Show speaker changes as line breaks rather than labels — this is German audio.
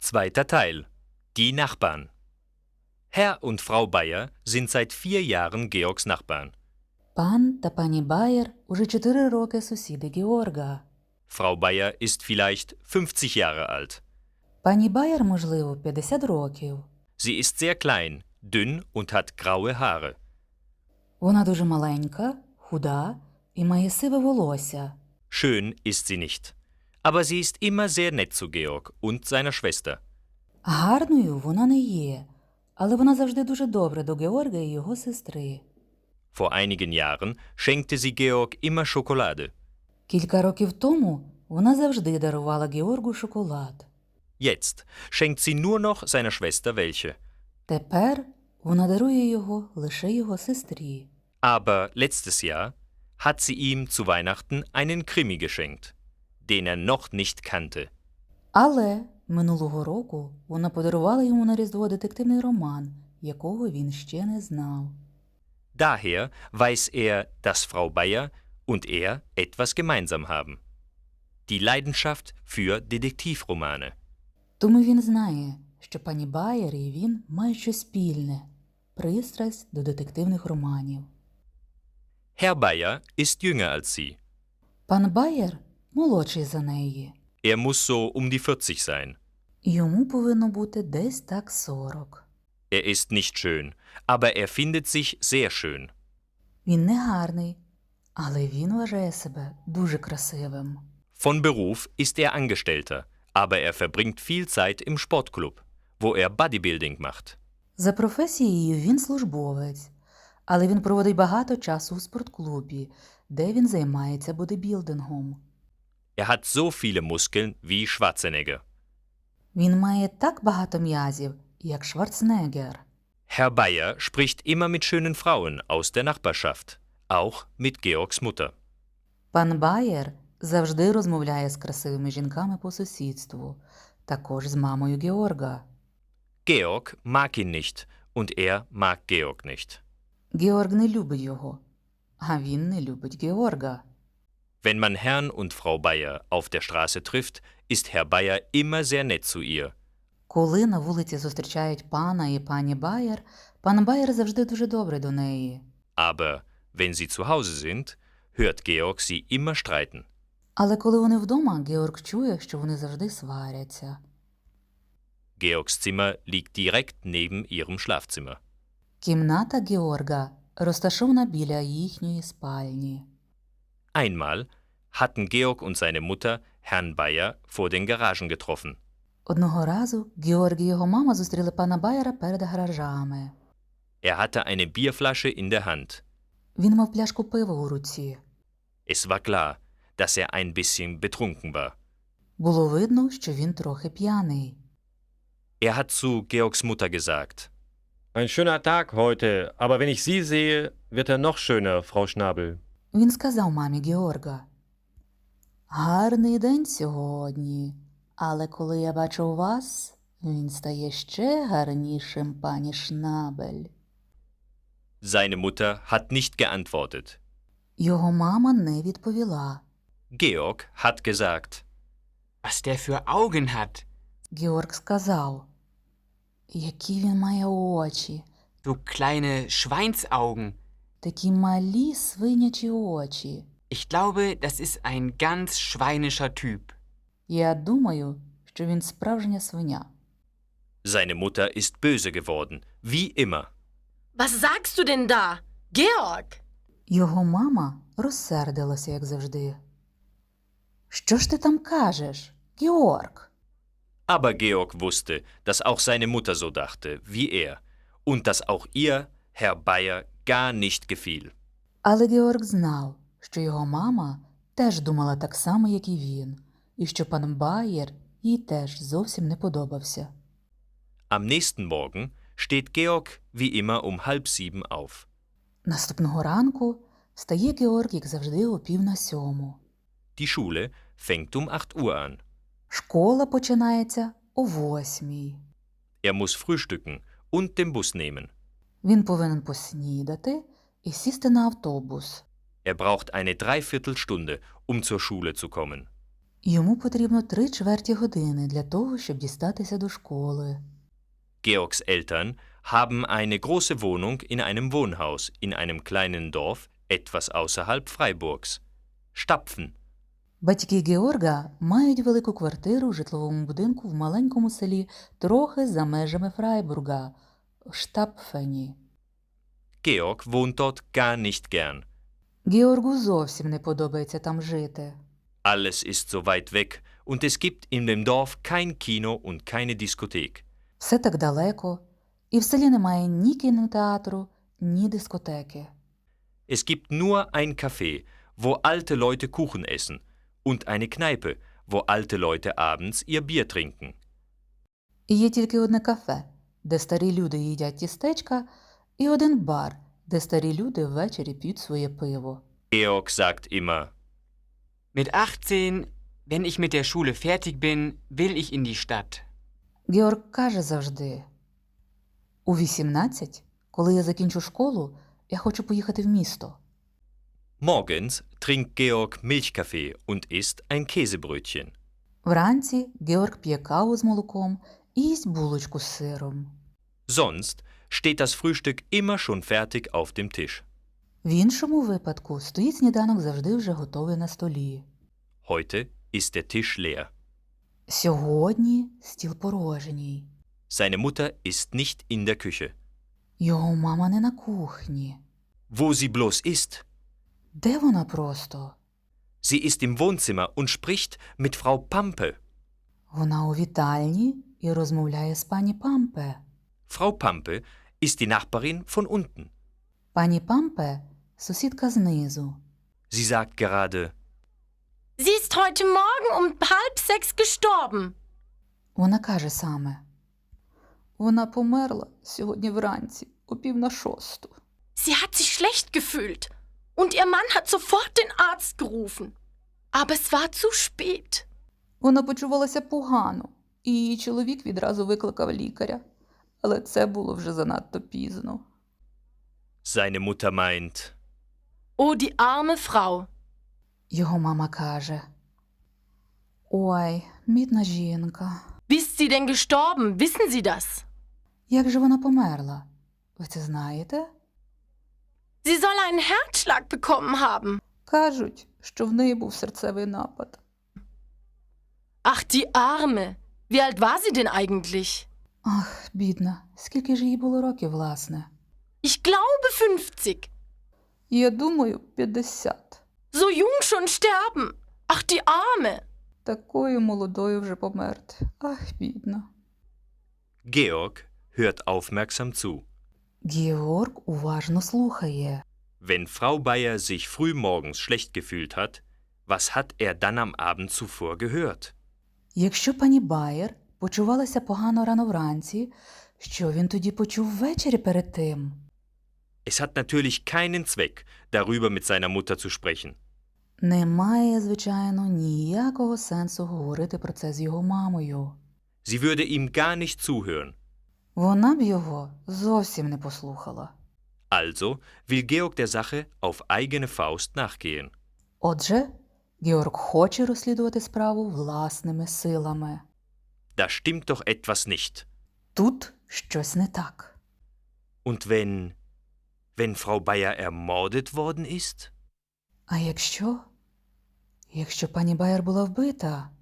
Zweiter Teil. Die Nachbarn. Herr und Frau Bayer sind seit 4 Jahren Georgs Nachbarn.
Пан та пані Bayer уже 4 роки сусіди Георга.
Frau Bayer ist vielleicht 50 Jahre alt.
Пані Bayer, можливо, 50 років.
Sie ist sehr klein, dünn und hat graue Haare.
Вона дуже маленька, худа і має сиве волосся.
Schön ist sie nicht. Aber sie ist immer sehr nett zu Georg und seiner Schwester.
Гарною вона не є, але вона завжди дуже добра до Георга і його сестри.
Vor einigen Jahren schenkte sie Georg immer Schokolade.
Кілька років тому вона завжди дарувала Георгу шоколад.
Jetzt schenkt sie nur noch seiner Schwester welche.
Тепер вона дарує його лише його сестрі.
Aber letztes Jahr hat sie ihm zu Weihnachten einen Krimi geschenkt, den er noch nicht kannte.
Але минулого року вона подарувала йому на Різдво детективний роман, якого він ще не знав.
Daher weiß er, dass Frau Bayer und er etwas gemeinsam haben. Die Leidenschaft für Detektivromane.
Тому він знає, що пані Bayer і він мають щось спільне – пристрасть до детективних романів.
Herr Bayer ist jünger als sie.
Пан Bayer молодший за неї.
Er muss so um die 40 sein.
Йому повинно бути десь так 40.
Er ist nicht schön, aber er findet sich sehr schön.
Він не гарний, але він вважає себе дуже красивим.
Von Beruf ist er Angestellter, aber er verbringt viel Zeit im Sportclub, wo er Bodybuilding macht.
За професією він службовець, але він проводить багато часу у спортклубі, де він займається бодибілдингом.
Er hat so viele Muskeln wie Schwarzenegger.
Він має так багато м'язів, як Шварценеггер.
Herr Bayer spricht immer mit schönen Frauen aus der Nachbarschaft, auch mit Georgs Mutter.
Пан Bayer завжди розмовляє з красивими жінками по сусідству, також з мамою Георга.
Georg mag ihn nicht und er mag Georg nicht.
Георг не любить його, а він не любить Георга.
Wenn man Herrn und Frau Bayer auf der Straße trifft, ist Herr Bayer immer sehr nett zu ihr.
Коли на вулиці зустрічають пана і пані Bayer, пан Bayer завжди дуже добрий до неї.
Aber wenn sie zu Hause sind, hört Georg sie immer streiten.
Але коли вони вдома, Георг чує, що вони завжди сваряться.
Georgs Zimmer liegt direkt neben ihrem Schlafzimmer.
Кімната Георга розташована біля їхньої спальні.
Einmal hatten Georg und seine Mutter Herrn Bayer vor den Garagen getroffen.
Одного разу Георг і його мама зустріли пана Байера перед гаражами.
Er hatte eine Bierflasche in der Hand.
Він мав пляшку пива у руці.
Es war klar, dass er ein bisschen betrunken war.
Було видно, що він трохи п'яний.
Er hat zu Georgs Mutter gesagt:
Ein schöner Tag heute, aber wenn ich Sie sehe, wird er noch schöner, Frau Schnabel.
Він сказав мамі Георга: «Гарний день сьогодні, але коли я бачу вас, він стає ще гарнішим, пані Шнабель».
Seine Mutter hat nicht geantwortet.
Його мама не відповіла.
Georg hat gesagt:
Was der für Augen hat.
Георг сказав: «Які він має очі,
So kleine Schweinsaugen.
такі малі свинячі очі.
Ich glaube, das ist ein ganz schweinischer Typ.
Я думаю, що він справжня свиня».
Seine Mutter ist böse geworden, wie immer.
Was sagst du denn da? Georg!
Його мама розсердилася, як завжди. «Що ж ти там кажеш, Георг?»
Aber Georg wusste, dass auch seine Mutter so dachte, wie er, und dass auch ihr Herr Bayer gar nicht gefiel.
Але Георг знав, що його мама теж думала так само, як і він, і що пан Bayer їй теж зовсім не подобався.
Am nächsten Morgen steht Georg wie immer um 6:30 auf.
Наступного ранку встає Георг, як завжди, о 6:45.
Die Schule fängt um 8 Uhr an.
Школа починається о 8:00.
Er muss frühstücken und den Bus nehmen.
Він повинен поснідати і сісти на автобус.
Er braucht eine Dreiviertelstunde, um zur Schule zu kommen.
Йому потрібно 3/4 години для того, щоб дістатися до школи.
Georgs Eltern haben eine große Wohnung in einem Wohnhaus in einem kleinen Dorf etwas außerhalb Freiburgs. Stapfen.
Батьки Георга мають велику квартиру в житловому будинку в маленькому селі трохи за межами Фрайбурга – Штапфені.
Georg wohnt dort gar nicht gern.
Георгу зовсім не подобається там жити.
Alles ist so weit weg und es gibt in dem Dorf kein Kino und keine Diskothek.
Все так далеко, і в селі немає ні кінотеатру, ні дискотеки.
Es gibt nur ein Café, wo alte Leute Kuchen essen und eine Kneipe, wo alte Leute abends ihr Bier trinken.
І є тільки одне кафе, де старі люди їдять тістечка, і один бар, де старі люди ввечері п'ють своє пиво.
Georg sagt immer,
Mit 18, wenn ich mit der Schule fertig bin, will ich in die Stadt.
Георг каже завжди: «У 18, коли я закінчу школу, я хочу поїхати в місто».
morgens trinkt Georg Milchkaffee und isst ein Käsebrötchen.
Вранці Георг п'є каву з молоком і їсть булочку з сиром.
Sonst steht das Frühstück immer schon fertig auf dem Tisch.
В іншому випадку стоїть сніданок завжди вже готовий на столі.
Heute ist der Tisch leer.
Сьогодні стіл порожній.
Seine Mutter ist nicht in der Küche.
Його мама не на кухні.
Wo sie bloß ist?
Де вона просто?
Sie ist im Wohnzimmer und spricht mit Frau Pampe.
Вона у вітальні і розмовляє з пані Пампе.
Frau Pampe ist die Nachbarin von unten.
Пані Пампе – сусідка знизу.
Sie sagt gerade,
Sie ist heute Morgen um 5:30 gestorben.
Вона каже саме: «Вона померла сьогодні вранці о 5:45.
Sie hat sich schlecht gefühlt und ihr Mann hat sofort den Arzt gerufen. Aber es war zu spät.
Вона почувалася погано, і її чоловік відразу викликав лікаря. Але це було вже занадто пізно».
seine Mutter meint,
Oh, die arme Frau.
Його мама каже: «Ой, бідна жінка.
Wie ist sie denn gestorben? Wissen Sie das?
Як же вона померла? Ви це знаєте?»
Sie soll einen Herzschlag bekommen haben.
Кажуть, що в неї був серцевий напад.
Ach, die Arme. Wie alt war sie denn eigentlich?
Ах, бідна, скільки ж їй було років, власне?
Ich glaube 50.
Я думаю, 50.
So jung schon sterben. Ach, die Arme.
Такою молодою вже померти. Ах, бідна.
Georg hört aufmerksam zu.
Георг уважно слухає.
Wenn Frau Bayer sich frühmorgens schlecht gefühlt hat, was hat er dann am Abend zuvor gehört?
Якщо пані Байер почувалася погано рано вранці, що він тоді почув ввечері перед тим?
Es hat natürlich keinen Zweck, darüber mit seiner Mutter zu sprechen.
Немає, звичайно, ніякого сенсу говорити про це з його мамою.
Sie würde ihm gar nicht zuhören.
Вона б його зовсім не послухала.
Also will Georg der Sache auf eigene Faust nachgehen.
Отже, Георг хоче розслідувати справу власними силами.
Da stimmt doch etwas nicht.
Тут щось не так.
Und wenn Frau Bayer ermordet worden ist?
А якщо? Якщо пані Байер була вбита?